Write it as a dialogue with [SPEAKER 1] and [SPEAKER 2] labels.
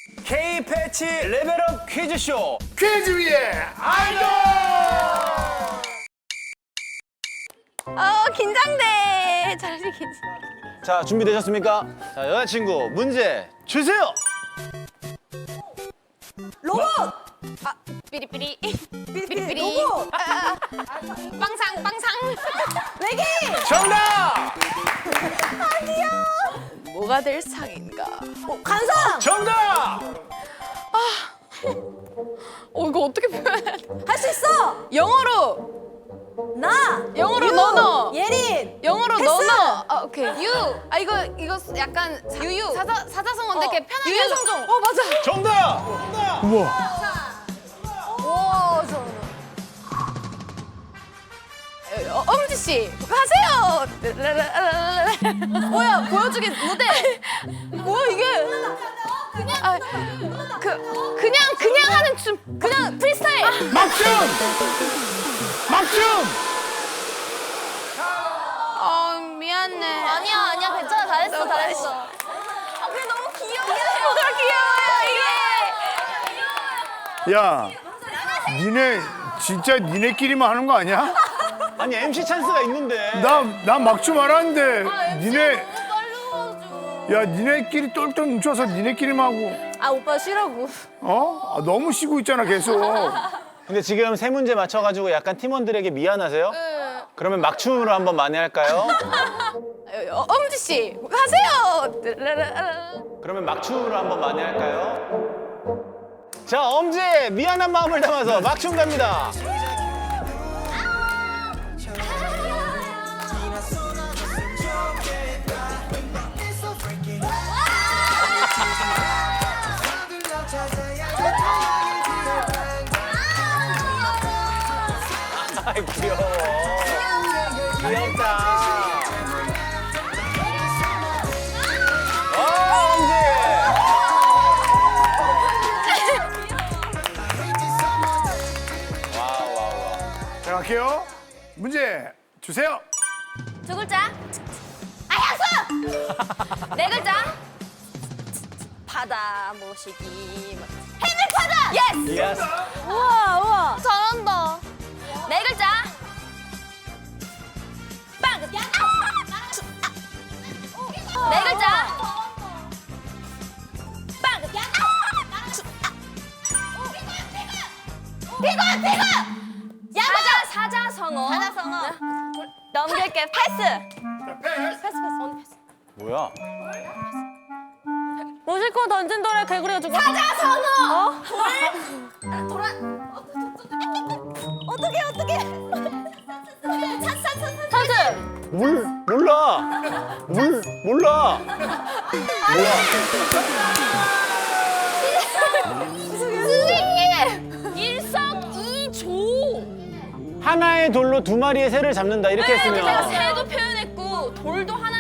[SPEAKER 1] K 패치 레벨업 퀴즈쇼.
[SPEAKER 2] 퀴즈 위에 아이돌!
[SPEAKER 3] 긴장돼. 잘하지 긴장.
[SPEAKER 1] 자, 준비되셨습니까? 자, 여자친구 문제 주세요.
[SPEAKER 4] 로봇!
[SPEAKER 3] 삐리삐리.
[SPEAKER 4] 삐리삐리. 로봇!
[SPEAKER 3] 빵상 빵상.
[SPEAKER 4] 외계인!
[SPEAKER 1] 정답!
[SPEAKER 3] 뭐가 될 상인가?
[SPEAKER 4] 간성!
[SPEAKER 1] 정답!
[SPEAKER 3] 이거 어떻게 표현해?
[SPEAKER 4] 할 수 있어!
[SPEAKER 3] 영어로.
[SPEAKER 4] 나!
[SPEAKER 3] 영어로
[SPEAKER 4] 유,
[SPEAKER 3] 너너.
[SPEAKER 4] 예린!
[SPEAKER 3] 영어로
[SPEAKER 4] 패스!
[SPEAKER 3] 너너. 오케이. 유. 이거 약간 유유. 사자성어인데 이렇게 편하게. 유유성종. 맞아.
[SPEAKER 1] 정답!
[SPEAKER 3] 오, 엄지 씨 하세요. 뭐야 보여주기 무대. 뭐야 이게? 그냥 하는 춤. 그냥 프리스타일.
[SPEAKER 2] 막춤! 막춤!
[SPEAKER 3] 미안해.
[SPEAKER 4] 아니야, 괜찮아. 잘했어.
[SPEAKER 3] 그래 너무 귀여워. 뭐가 귀여워요 이게.
[SPEAKER 2] 야, 니네 진짜 니네끼리만 하는 거 아니야?
[SPEAKER 1] 아니 MC 찬스가 있는데.
[SPEAKER 2] 나 막춤 알았는데 니네
[SPEAKER 3] 빨리
[SPEAKER 2] 야 니네끼리 똘똘 뭉쳐서 니네끼리만 하고
[SPEAKER 4] 아, 오빠 쉬라고.
[SPEAKER 2] 어? 아, 너무 쉬고 있잖아 계속.
[SPEAKER 1] 근데 지금 세 문제 맞춰가지고 약간 팀원들에게 미안하세요? 그러면 막춤으로 한번 만회할까요?
[SPEAKER 3] 엄지 씨 하세요.
[SPEAKER 1] 그러면 막춤으로 한번 만회할까요? 자, 엄지의 미안한 마음을 담아서 막춤 갑니다. 아이, 귀여워. 귀엽다. 엄지!
[SPEAKER 2] 자 갈게요. 문제 주세요.
[SPEAKER 4] 두 글자. 아야수! 네 글자. 바다 모시기. 해밀파다! 예스!
[SPEAKER 1] 예스.
[SPEAKER 4] 우와. 잘한다. 네 글자. 빵! 네 글자. 빵! 피고! 야자! 사자성어. 넘길게. 패스! 패스.
[SPEAKER 1] 뭐야?
[SPEAKER 4] 무실코 던진 돌에 개구리가 죽어. 사자성어! 돌아. 어떡해. 찬스.
[SPEAKER 1] 몰라. 몰라. 뭐야?
[SPEAKER 4] 선생님! 일석이조.
[SPEAKER 1] 하나의 돌로 두 마리의 새를 잡는다 이렇게
[SPEAKER 4] 내가
[SPEAKER 1] 했으면
[SPEAKER 4] 새도 표현했고 돌도 하나